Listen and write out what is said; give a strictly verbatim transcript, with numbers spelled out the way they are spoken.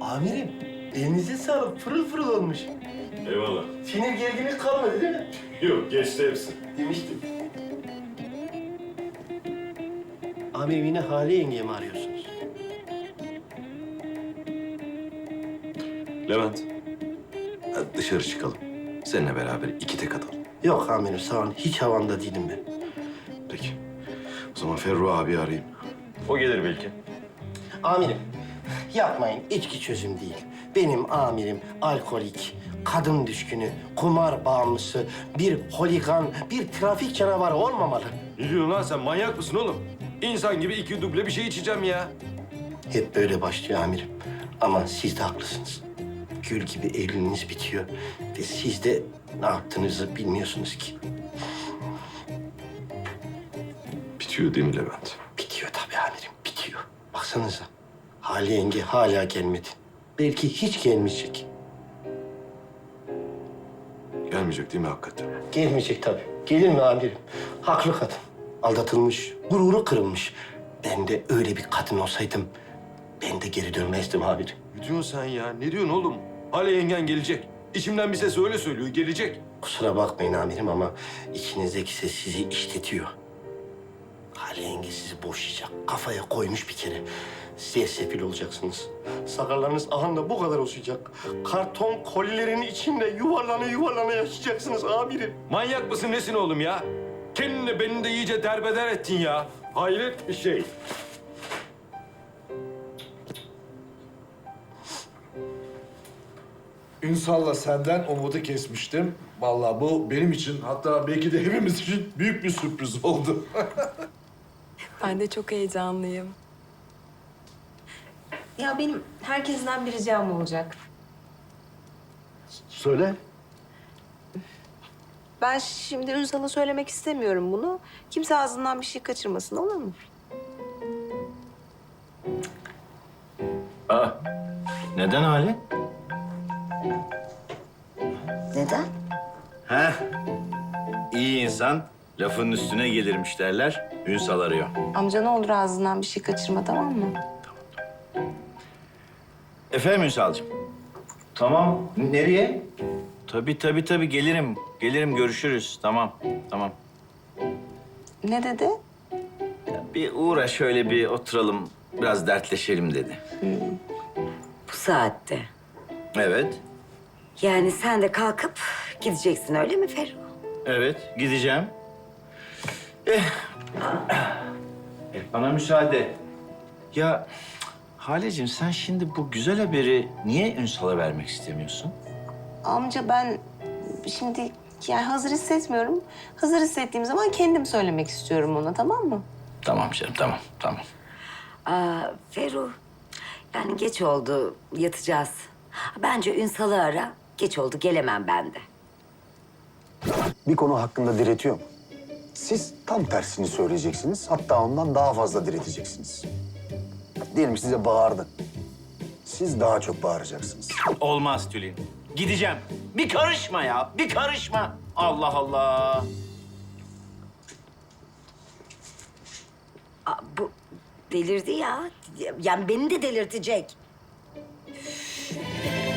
Amirim, elinize sağlık. Pırıl pırıl olmuş. Eyvallah. Sinir gerginlik kalmadı değil mi? Yok, geçti hepsi. Demiştim. Amirim yine Hale yengeye mi arıyorsunuz? Levent. Hadi dışarı çıkalım. Seninle beraber iki tek atalım. Yok amirim sağ olun. Hiç havamda değilim ben. Peki. O zaman Ferru abi arayayım. O gelir belki. Amirim, yapmayın. İçki çözüm değil. Benim amirim alkolik, kadın düşkünü, kumar bağımlısı, bir holigan, bir trafik canavarı olmamalı. Ne diyorsun lan sen? Manyak mısın oğlum? İnsan gibi iki duble bir şey içeceğim ya. Hep böyle başlıyor amirim. Ama siz de haklısınız. Gül gibi evliliğiniz bitiyor ve siz de ne yaptığınızı bilmiyorsunuz ki. Bitiyor değil mi Levent? Bitiyor tabii amirim, bitiyor. Baksanıza, Hale yenge hala gelmedi. Belki hiç gelmeyecek. Gelmeyecek değil mi hakikaten? Gelmeyecek tabii. Gelir mi amirim? Haklı kadın. Aldatılmış, gururu kırılmış. Ben de öyle bir kadın olsaydım, ben de geri dönmezdim amirim. Ne diyorsun sen ya? Ne diyorsun oğlum? Hale yengen gelecek. İçimden bir ses öyle söylüyor, gelecek. Kusura bakmayın amirim ama içinizdeki ses sizi işletiyor. Hale yenge sizi boşayacak. Kafaya koymuş bir kere. Sersefil olacaksınız. Sakallarınız ahanda bu kadar uzayacak. Karton kolilerin içinde yuvarlana yuvarlana yaşayacaksınız amirim. Manyak mısın nesin oğlum ya? Kendini beni de iyice derbeder ettin ya. Hayret bir şey. Ünsal'la senden umudu kesmiştim. Vallahi bu benim için, hatta belki de hepimiz için büyük bir sürpriz oldu. Ben de çok heyecanlıyım. Ya benim herkesten bir ricam olacak. Söyle. Ben şimdi Ünsal'a söylemek istemiyorum bunu. Kimse ağzından bir şey kaçırmasın, olur mu? Aa, neden hali? Neden? Heh, iyi insan lafın üstüne gelirmiş derler. Ünsal arıyor. Amca ne olur ağzından bir şey kaçırma, tamam mı? Efendim Ünsal'cığım? Tamam. Nereye? Tabii tabii tabii gelirim. Gelirim görüşürüz. Tamam tamam. Ne dedi? Ya bir uğra şöyle bir oturalım biraz dertleşelim dedi. Bu saatte. Evet. Yani sen de kalkıp gideceksin öyle mi Ferru? Evet gideceğim. Eh. Eh, bana müsaade. Ya Haleciğim sen şimdi bu güzel haberi niye Ünsal'a vermek istemiyorsun? Amca ben şimdi yani hazır hissetmiyorum. Hazır hissettiğim zaman kendim söylemek istiyorum ona, tamam mı? Tamam canım tamam tamam. Aa, Ferru, yani geç oldu, yatacağız. Bence Ünsal'ı ara, geç oldu, gelemem ben de. Bir konu hakkında diretiyor mu? Siz tam tersini söyleyeceksiniz. Hatta ondan daha fazla direteceksiniz. Diyelim size bağırdı. Siz daha çok bağıracaksınız. Olmaz Tülin. Gideceğim. Bir karışma ya, bir karışma. Allah Allah. Aa, bu delirdi ya. Yani beni de delirtecek. Üf.